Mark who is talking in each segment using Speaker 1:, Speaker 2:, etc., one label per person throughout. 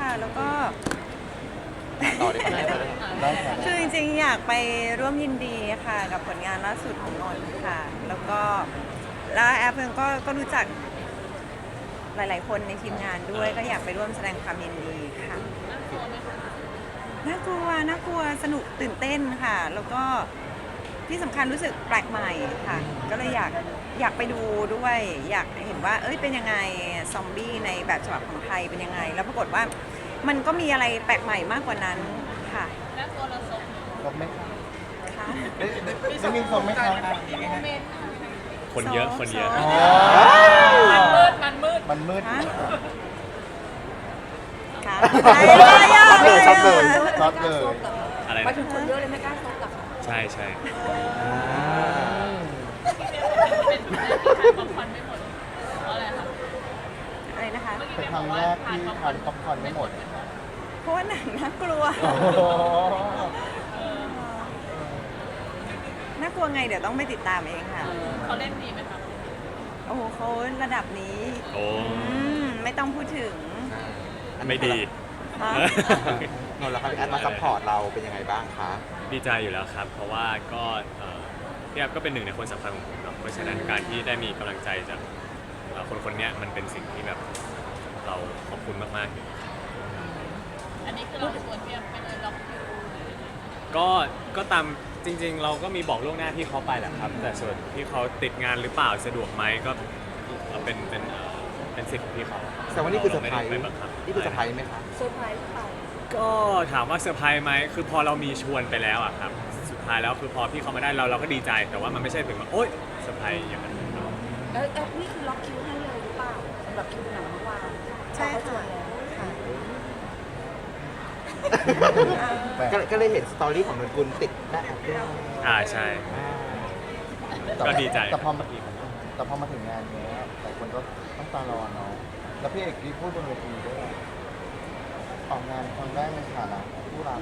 Speaker 1: แล้วก็
Speaker 2: ต่อได้ไหมได้ค่ะ
Speaker 1: คือจริงๆอยากไปร่วมยินดีค่ะกับผลงานล่าสุดของนนท์ค่ะ แล้วแอปเองก็รู้จักหลายๆคนในทีมงานด้วยก็อยากไปร่วมแสดงความยินดีค่ะน่ากลัวสนุกตื่นเต้นค่ะ แล้วก็ที่สำคัญรู้สึกแปลกใหม่ค่ะ ก็เลยอยากไปดูด้วย อยากเห็นว่าเป็นยังไงซอมบี้ในแบบฉบับของไทยเป็นยังไง แล้วปรากฏว่ามันก็มีอะไรแปลกใหม่มากกว่านั้นค่ะ
Speaker 3: แล้วตัวเราสม
Speaker 2: ครบไหมคะ
Speaker 1: ค่ะ
Speaker 2: จะมีครบไหมคะ
Speaker 3: โมเมนต์
Speaker 4: คนเยอะคนเยอะ
Speaker 1: โซ
Speaker 3: มันมืด
Speaker 2: มันมืด
Speaker 1: ค่ะ
Speaker 2: ช็อตเลยช็อตเลย
Speaker 4: อะไร
Speaker 3: มา
Speaker 4: นะ
Speaker 3: ถึงคนเยอะเลยไม่กล้าซบหรอกค่ะ
Speaker 4: ใช่ใช่
Speaker 3: เป็นแม่ที่ทานป๊อปคอร์นไม่หมดเพราะอะไรคะ
Speaker 1: อะไรนะคะ
Speaker 2: เป็นครั้งแรกที่ทานป๊อปคอร์นไม่หมด
Speaker 1: เพราะว่าหนังน่ากลัว
Speaker 2: โอ้โห
Speaker 1: น่ากลัวไงเดี๋ยวต้องไปติดตามเองค่ะ
Speaker 3: เขาเล่นดีไหมคะ
Speaker 1: โอ้โหเขาระดับนี้
Speaker 4: โอ้
Speaker 1: ไม่ต้องพูดถึง
Speaker 4: ไม่ดี
Speaker 1: ฮะ
Speaker 2: นนท์แล้วครับพี่แอดมาซัพพอร์ตเราเป็นยังไงบ้างคะ
Speaker 4: ดีใจอยู่แล้วครับ เพราะว่าก็พี่แอฟก็เป็นหนึ่งในคนสำคัญของผมเนาะเพราะฉะนั้นการที่ได้มีกำลังใจจากคนเนี้ยมันเป็นสิ่งที่แบบเราขอบคุณมากๆอยู่
Speaker 3: อันนี้คือเราชวนเพียงไปเลยล็อกคิว
Speaker 4: ก็ตามจริง ๆ เราก็มีบอกล่วงหน้าที่เขาไปแหละครับ แต่ส่วนที่เขาติดงานหรือเปล่าสะดวกไหมก็เป็นสิทธิ์ของพี่เขา
Speaker 2: แต่ว่านี่คือเซอร์ไพรส์
Speaker 4: ม่ด้ปบังคับ
Speaker 2: นี่คือเซอร์ไพรส์ไหมคะ
Speaker 3: เซอร์ไพรส์ไป
Speaker 4: ก็ถามว่าเซอร์ไพรส์ไหมคือพอเรามีชวนไปแล้วอะครับสุดท้ายแล้วคือพอพี่เขามาได้เราก็ดีใจ แต่ว่ามันไม่ใช่ถึงว่าโอ๊ยเซอร์ไพรส์อย่างนั้น
Speaker 3: แล้วแอปนี่คือล็อกคิวให้เลยหรือเปล่าสำหรับคิวหนังเมื่อวาน
Speaker 1: ใช่
Speaker 3: เขาชว
Speaker 1: ค่ะ
Speaker 3: นแล้ว
Speaker 2: ก็เลยเห็นสตอรี่ของนนกุลติดแม่แอปด้วย
Speaker 4: ใช่ก็ดีใจ
Speaker 2: แต่พอมาถึงงานเนี้ยหลายคนก็ต้องตารอเนาะแล้วพี่เอกที่พูดบนเวทีด้วยออกงานครั้งแรกในฐานะผู้รับ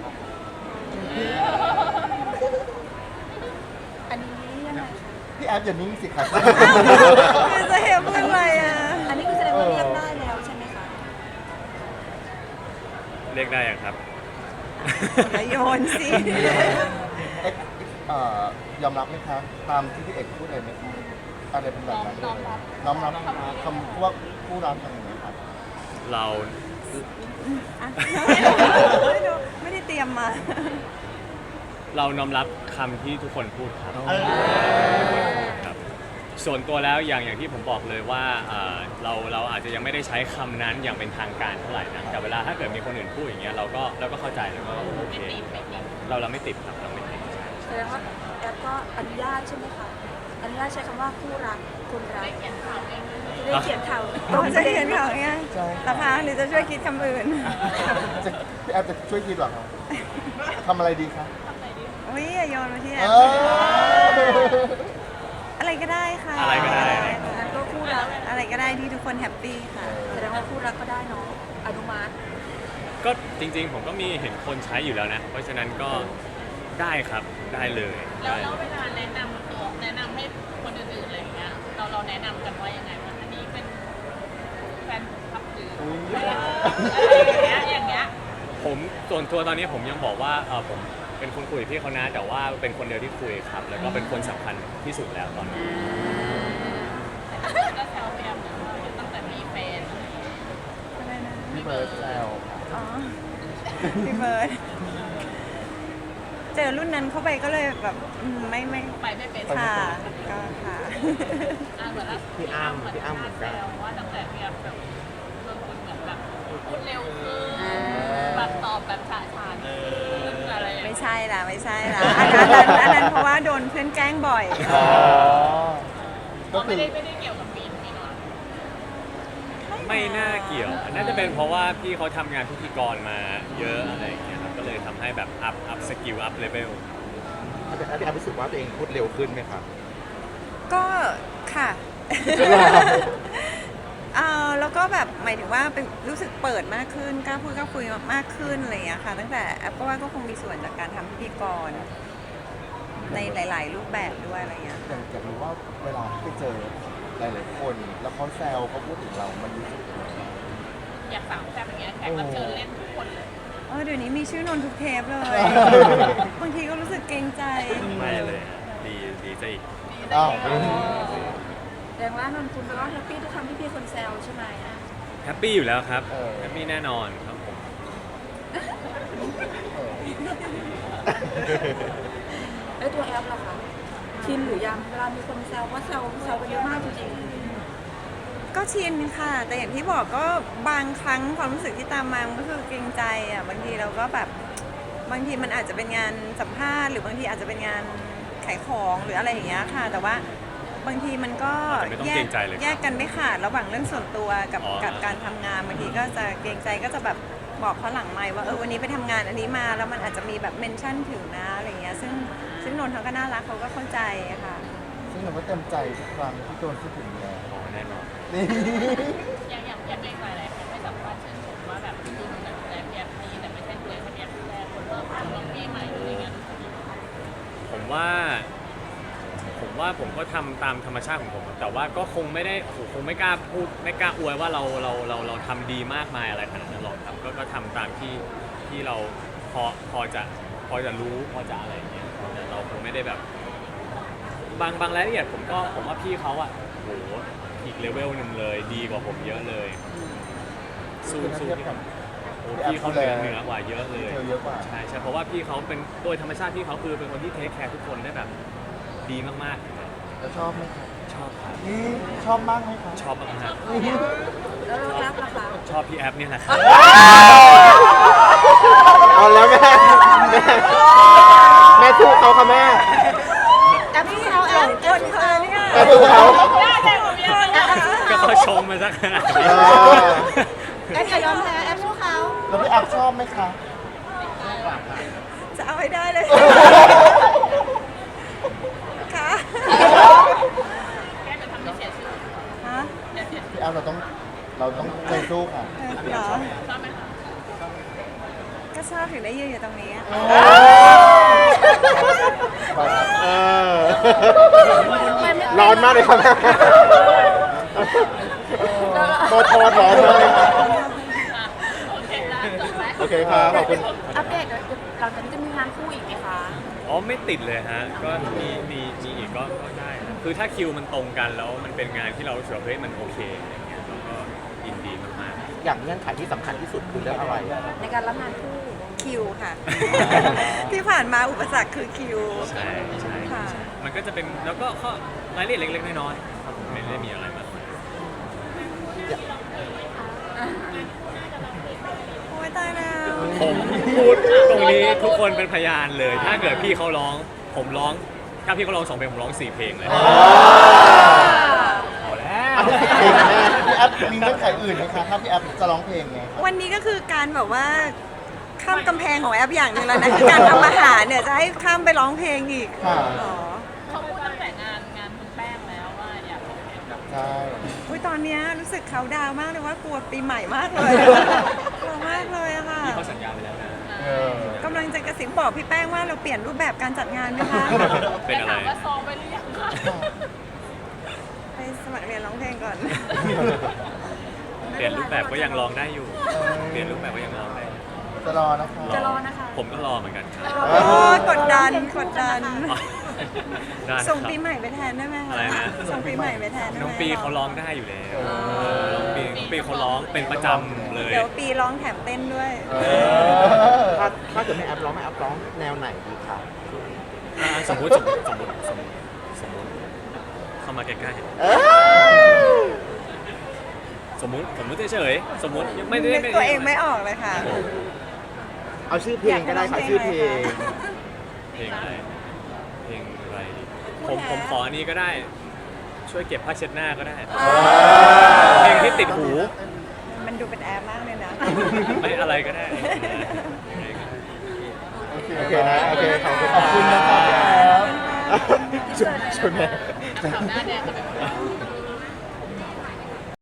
Speaker 3: อันนี้ยังไงคะ
Speaker 2: พี่แอฟอย่านิ่งสิครับ
Speaker 1: คือจะเห็นพูดอะไรอ่ะ
Speaker 3: อันนี้คือแสดงว่าเรียกได้แล้วใช่ไหมคะ
Speaker 4: เรียกได้ยังครับ
Speaker 1: อย่าโยนสิ
Speaker 2: เอ๊ะยอมรับไหมคะตามที่พี่เอกพูดเลยไหมคะอะไรเป็นแบบนั้นเลยน้อมรับคำว่าผู้รับอะไรอย่างเงี้ยครับ
Speaker 4: เรา
Speaker 1: อ่ะไม่ได้เตรียมมา
Speaker 4: เราน้อมรับคำที่ทุกคนพูดครับครับส่วนตัวแล้วอย่างที่ผมบอกเลยว่าเราอาจจะยังไม่ได้ใช้คำนั้นอย่างเป็นทางการเท่าไหร่นะแต่เวลาถ้าเกิดมีคนอื่นพูดอย่างเงี้ยเราก็เข้าใจแล้วก็โอเคเราไม่ติดครับเราไม่ติด
Speaker 3: แสดงว่าแอปก็อนุญาตใช่ไหมคะอนุญาตใช้คำว่าคู่รักคนรักได้เขียนข่าวเองได้เขียนข่าว
Speaker 1: เราจะเขียนข่าวเนี่ยราคาหรือจะช่วยคิดคำอื่น
Speaker 2: พี่แอฟจะช่วยคิดเหรอครับทำอะไรดีครับ
Speaker 1: อุ้ยอย่าโยนมาที่แอ
Speaker 2: เอ
Speaker 1: ป
Speaker 2: อ
Speaker 1: อะไรก็ได้ค่ะ
Speaker 4: อะไรก็ได้
Speaker 3: งั้นก็คู่รัก
Speaker 1: อะไรก็ได้ที่ทุกคนแฮปปี้ค่ะ
Speaker 3: แสดงว่าคู่รักก็ได้เนาะอนุมัติ
Speaker 4: ก็จริงๆผมก็มีเห็นคนใช้อยู่แล้วนะ เพราะฉะนั้นก็ได้ครับได้เลย
Speaker 3: แล้วเวลาแนะนำให้คนอื่นๆอะไรอย่างเงี้ยเราแนะนำกันว่ายังไงว่าอันนี้เป็นแฟนคลับหรืออะไรอย่างเงี้ย
Speaker 4: ผมส่วนตัวตอนนี้ผมยังบอกว่าผมเป็นคนคุยกับพี่เขานะแต่ว่าเป็นคนเดียวที่คุยครับ แล้วก็เป็นคนสำคัญที่สุดแล้วตอนนี้
Speaker 3: ก็แซวพี่แอมตั้งแต่มีแฟน
Speaker 1: อะไรนะ
Speaker 2: พี่เบิร์ดแซว
Speaker 1: อ๋อ พี่เบิร์ดเจอรุ่นนั้นเข้าไปก็เลยแบบไม่
Speaker 3: ไปไม่เป็น
Speaker 1: ค่ะก็ค่ะ
Speaker 3: เหมือนแล้วพี่อ้ำเหมือนกันว่าตั้งแต่พี่แอมแบบเรื่องคุณเหมือนแบบพูดเร็วขึ้นแบบตอบแบบฉะฉานขึ้นอะไร
Speaker 1: ไม่ใช่ละอันนั้นเพราะว่าโดนเพื่อนแกล้งบ่อย
Speaker 2: อ๋อก็
Speaker 3: ก็
Speaker 2: คื
Speaker 3: ไม่
Speaker 2: อ
Speaker 3: ได้เกี่ยวกับมีนอน
Speaker 4: ไม่น่าเกี่ยวน่าจะเป็นเพราะว่าพี่เขาทำงานพิธีกรมาเยอะอะไรอย่างเงี้ยครับก็เลยทำให้แบบอัพสกิลอัพเลเวล
Speaker 2: พี่แอฟรู้สึกว่าตัวเองพูดเร็วขึ้นไหมครับ
Speaker 1: ก็ค่ะ แล้วก็แบบหมายถึงว่าเป็นรู้สึกเปิดมากขึ้นกล้าพูดกล้าคุยมากขึ้นอะไรอย่างเงี้ยค่ะ ตั้งแต่แอปก็ว่าก็คงมีส่วนจากการทำพิธีกรในหลาย ๆ รูปแบบด้วยอะไรอย่างเงี้ย
Speaker 2: อยากรู้ว่าเวลาที่ไปเจอหลายๆคนแล้วเขาแซวเขาพูดถึงเรา มันรู้สึกยังไง
Speaker 3: อยากสาวแซ่บอย่างเงี้ยแขกรับเชิญเล่นทุกคนเลย
Speaker 1: เดี๋ยวนี้มีชื่อนนท์ทุกเทปเลย บางทีก็รู้สึกเกรงใจ
Speaker 4: ไม่เลยดีดีซะอีก
Speaker 2: อ้าว
Speaker 5: แสดงว่านนคุณก็แฮปปี้ทุกครั้งที่พี่คนแซวใช่ไหม
Speaker 4: แฮปปี้อยู่แล้วครับแฮปปี้แน่นอนครับผม
Speaker 5: แล้วตัวแอปล่ะคะชินหรือยังเวลามีคนแซวว่าแซวกันเยอะมากจริง
Speaker 1: ก็ชินค่ะ แต่อย่างที่บอกก็บางครั้งความรู้สึกที่ตามมามันก็คือเกรงใจอ่ะบางทีเราก็แบบบางทีมันอาจจะเป็นงานสัมภาษณ์หรือบางทีอาจจะเป็นงานขายของหรืออะไรอย่างเงี้ยค่ะ แต่ว่าบางทีมันก็
Speaker 4: อาจจะไม่ต้องเกรงใจเลย
Speaker 1: แยกกันไม่ขาดระหว่างเรื่องส่วนตัวกับ
Speaker 4: อ๋อ
Speaker 1: กับการทำงานบางทีก็จะเกรงใจก็จะแบบบอกเขาหลังไมค์ว่าวันนี้ไปทำงานอันนี้มาแล้วมันอาจจะมีแบบเมนชั่นถึงนะอะไรเงี้ยซึ่งนนท์เขาก็น่ารักเขาก็เข้าใจอะค่ะ
Speaker 2: ซึ่งเราก็เต็มใจทุกครั้งที่โดนพูดถึงแล้ว
Speaker 4: อ๋อแน่นอน
Speaker 2: นี่
Speaker 3: อย่างในหลายๆคนไม่สัมภาษณ์ชื่นชมว่าแบบดูเหมือนแบบแอบดีแต่ไม่ใช่ตัวแอบแย่คนเริ่มลงปีใหม่อะไรเงี้ย
Speaker 4: ผมว่าผมก็ทำตามธรรมชาติของผม แต่ว่าก็คงไม่ได้คงไม่กล้าพูดไม่กล้าอวยว่าเราทำดีมากมายอะไรขนาดนั้นหรอกครับก็ทำตามที่เราพอจะรู้พอจะอะไรอย่างเงี้ยแต่เราคงไม่ได้แบบบางรายละเอียดผมว่าพี่เขาอะโหอีกเลเวลหนึ่งเลยดีกว่าผมเยอะเลยสู้
Speaker 2: คือถ้าเทียบกับ
Speaker 4: โอ้พี่เขาเหนือกว่าเยอะเลย
Speaker 2: เธอเยอะกว่า
Speaker 4: ใช่เพราะว่าพี่เขาเป็นโดยธรรมชาติพี่เขาคือเป็นคนที่เทคแคร์ทุกคนได้แบบดีมาก
Speaker 2: แล้วชอบไหมครับ
Speaker 4: ๆ ชอบครับ
Speaker 2: นี่ชอบมากไหมครับ
Speaker 4: ชอบมาก
Speaker 5: ๆ แล้วแอปล่ะคะ
Speaker 4: ๆชอบพี่แอปเนี่ยแหละครับ
Speaker 2: เอาแล้วแม่แม่สู้เขาค่ะแม่
Speaker 5: แอปที่เขาแอป
Speaker 1: กดเขาเนี่ย
Speaker 2: แม่สู้เขา
Speaker 4: ก็เขาชงมาสักขนาดนี้
Speaker 5: แอปอย่ายอมแพ้แอปสู้เขา
Speaker 2: แล้วพี่แอฟชอบไหมคะ
Speaker 1: จะเอาให้ได้เลยค่ะ
Speaker 3: แกจะทำให้เสียชื่อ
Speaker 1: ฮะ
Speaker 2: พี่แอฟเราต้องใจสู้ค่ะ
Speaker 1: เหรอ
Speaker 3: ชอบไหมคะ
Speaker 1: ก็ชอบถึงได้ยืนอยู่ตรงนี้อะ
Speaker 2: เออร้อนมากเลยครับแม่โทษร้อนมากเลยครับ
Speaker 3: โอเคนะจบไหม
Speaker 2: โอเคครับขอบคุณ
Speaker 5: อัปเดตหลังจากนี้จะมีงานคู่อีกไหมคะ
Speaker 4: อ๋อไม่ติดเลยฮะก็มีอีกก็ได้นะคือถ้าคิวมันตรงกันแล้วมันเป็นงานที่เรารู้สึกว่าเฮ้ยมันโอเคอะไรเงี้ยเราก็ยินดีมาก
Speaker 2: อย่างเงื่อนไขที่สำคัญที่สุดคือเรื่องอะไร
Speaker 5: ในการรับงานคู่
Speaker 1: คิวค่ะ ที่ผ่านมาอุปสรรคคือคิว
Speaker 4: ๆใช่
Speaker 1: ค่ะ
Speaker 4: มันก็จะเป็นแล้วก็ข้อรายละเอียดเล็กๆน้อยๆครับผมไม่ได้มีอะไรมาก
Speaker 1: โอ้ยตายแล้ว
Speaker 4: ผมพูดตรงนี้ทุกคนเป็นพยานเลย ถ้าเกิดพี่เขาร้องผมร้องถ้าพี่เขาร้อง2 เพลงผมร้อง4 เพลงเลยเอาแล้ว
Speaker 2: เพลงแม่พี่แอฟมีเงื่อนไขอื่นไหมคะถ้าพี่แอฟจะร้องเพลงไง
Speaker 1: วันนี้ก็คือการแบบว่าข้ามกำแพงของแอปอย่างหนึ่งแล้วนะคือการทำอาหารเนี่ยจะให้ข้ามไปร้องเพลงอีก
Speaker 2: ค่ะ
Speaker 1: อ๋อ
Speaker 3: เขาพูดตั้งแต่งานคุณแป้งแล้วว่าอยากเป็นแบบ
Speaker 2: ใช่
Speaker 1: อุ้ยตอนเนี้ยรู้สึกเขาดาวน์มากเลยว่ากลัวปีใหม่มากเลยกลัวมากเลยอะค่ะ
Speaker 4: พี่เขาสัญญาไปแล้วนะ
Speaker 2: เออก
Speaker 1: ำลังจะกระซิบบอกพี่แป้งว่าเราเปลี่ยนรูปแบบการจัดงานไหมคะ
Speaker 4: เป็นอะไร
Speaker 3: ถามว่าซ้อมไปหรือยังคะ
Speaker 1: ไปสมัครเรียนร้องเพลงก่อน
Speaker 4: เปลี่ยนรูปแบบก็ยังร้องได้อยู่ เปลี่ยนรูปแบบก็ยังร้องได้อยู่
Speaker 2: จะรอนะคะ
Speaker 5: จะรอนะคะ
Speaker 4: ผมก็รอเหมือนกันครับ
Speaker 1: โอ้ยกดดันกดดัน
Speaker 4: อ๋อได้ครับ
Speaker 1: ส่งปีใหม่ไปแทนได้ไหมคะ
Speaker 4: อะไรนะ
Speaker 1: ส่งปีใหม่ไปแทนได้ไหม
Speaker 4: น้องปีเขาร้องได้อยู่แล้วน้องปีเขาร้องเป็นประจำเลย
Speaker 1: เดี๋ยวปีร้องแถมเต้นด้วย
Speaker 2: ถ้าเกิดไม่แอปร้องแนวไหนดีคะ
Speaker 4: สมมุติเข้ามาใกล้ๆสมมุติเฉยๆสมมุติยังไม่ได้
Speaker 1: นึกตัวเองไม่ออกเลยค่ะ
Speaker 2: เอาชื่อเพลงก็ได้ค่ะชื่อเพลง
Speaker 4: เพลงอะไรเพลงอะไรดีผมขออันนี้ก็ได้ ช่วยเก็บผ้าเช็ดหน้าก็ได้ เพลงที่ติดหู
Speaker 1: มันดูเป็นแอร์มากเลยนะ
Speaker 4: ไม่อะไรก็ได้
Speaker 2: โอเคนะโอเคขอบคุณนะครับชวนแม่
Speaker 3: ข่าวหน้าแดงจะเป็น